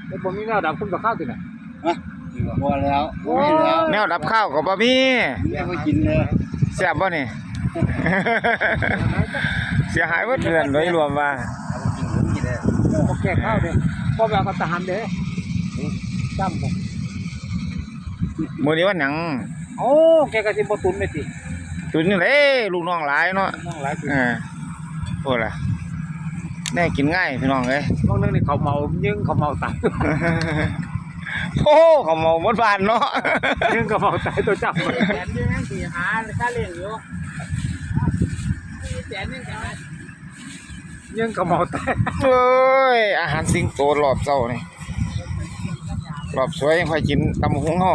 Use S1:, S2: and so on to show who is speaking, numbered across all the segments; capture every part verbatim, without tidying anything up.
S1: ไอ้ผมมีแนวดับคุณกับข้าวติน่ะ
S2: ฮะบ่แล้วไม่แล้ว
S3: แนวดับข้าวก็บ่มี
S2: แม่ก็กินเลย
S3: แซ่บบ่นี่ เสียหายหมดเดือนโดยรวมว่า
S2: กินผมกินเลย
S1: บ่แก่ข้าวเด้บ่แบบกับทหารเด้จำบ่
S3: มื้อนี้วันหยัง
S1: โอ้แกก็สิบ่ตุนแม่ติ
S3: ตุนนี่แหละลูกน้องหลายเนาะ
S1: น้องหลายติ
S3: เออโอ้ล่ะแน่กินง่ายพี่น้องเอ้ย
S1: บางเรื่องนี่เขาเมายึงเขาเมาตาย
S3: โอ้เขาเมาหมดบ้านเนาะ
S1: ยึงเขาเมาตายตัวจับ
S4: แสนนึงสิหาค่าเลี้ยงอยู่แสนนึงกันนะ
S1: ยึงเขาเมาตาย
S3: เอ้ยอาหารสิงโตรอบเช้านี่รอบสวยยังค่อยกินตำบักหุ่งเฮา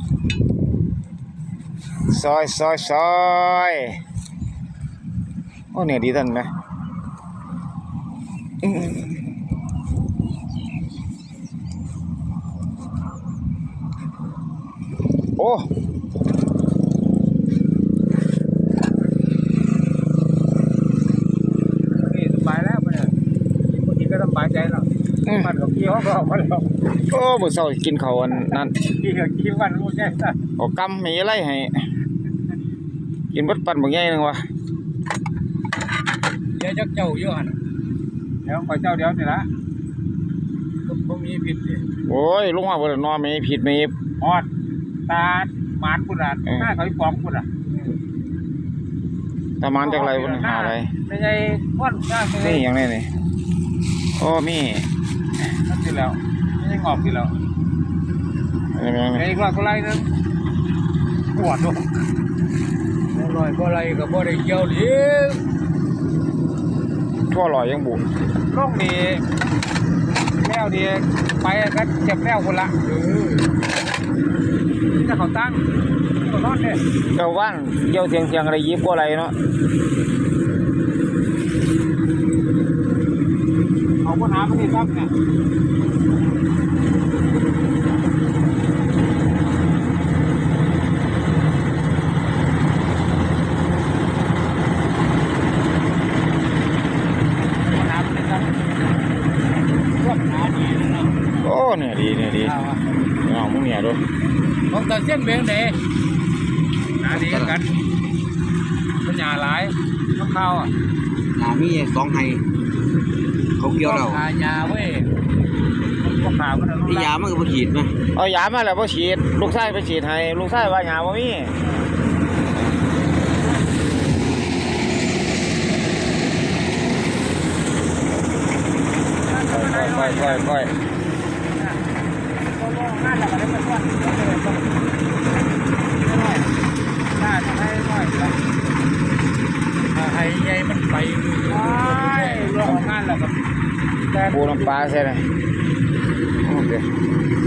S3: ซอยซอยซอยโอ้เนี่ยดีท่านไหมโอ้
S1: นี่สบายแล้วบ่เนี่ยกินบ่กินก็สบายใจแล้วมันก็กี่ห้องก็ออกมาแล้ว
S3: โอ้มื้อเช้ากินข้าวอันนั้น
S1: กี่ก็กี่วันบ่ใช่ซะ
S3: เอากำมีอะไรให้กินเบิดปั่นบ่ใหญ่นึงวะ
S4: เดี๋ยวจักเจ้าอยู่หั่น
S1: เดี๋ยวขอเจ้าเดี๋ยวนี่ล่ะ
S4: บ่มีผิดดิ
S3: โอ้ยลงมาบ่ได้นอนมีผิดมี
S1: ฮอดตาหมานพุ่นน่ะหน้าเขาอีปองพุ่นน่ะ
S3: ตะมานจักไรบ่หาอะไร
S1: ไม่ใช่ม่วนหน้า
S3: นี่หยังนี่นี่โอ้มี
S1: นั่นสิแล้วไม่ใช่งอกสิแล้ว
S3: อะไรแม่งนี่
S1: ไอ้กว่าก็ไล่นึงปวดด้วย
S4: บ่ลอยบ่ไหลก็บ่ได้เกี่ยวดิ
S3: ทั่วลอยยังบุ
S1: ลงนี่แล้วดีไปก็เจ็บแล้วคนละเออนี่ถ้าเขาตั้งเขาทอดเนี่ย
S3: เจ้าว่านเกี่ยวเทียงเทียงอะไรยิบกว่าอะไรเนาะ
S1: เอาปัญหาไม่ได้ตั้งเนี่ย
S3: โอ้เนี่ยดีเนี่ยดีเอามึงเนี่ยดู
S4: ของตาเส้นเบงเด้
S1: หาดีกันปัญญาหลายน้ำข้าวอ่ะ
S2: หามีสองไห้เขาเกี่ยวเรา
S4: หายาเว้ย
S1: ก็ขาวมัน
S2: ไอ้ยามันก็บ่ฉีดมั้ย
S3: เอายามาแล้วบ่ฉีดลูกชายไปฉีดให้ลูกชายว่าหยาบ่มีค่อยค่อยค่อย
S1: งานแล้วก็ได้มาช่วยน้อยน่าจะให้น้อยละ
S4: ให้ใหญ่มันไป
S1: ใช่รองานแล้วก็
S3: ปูน้ำปลาใช่ไหมโอเค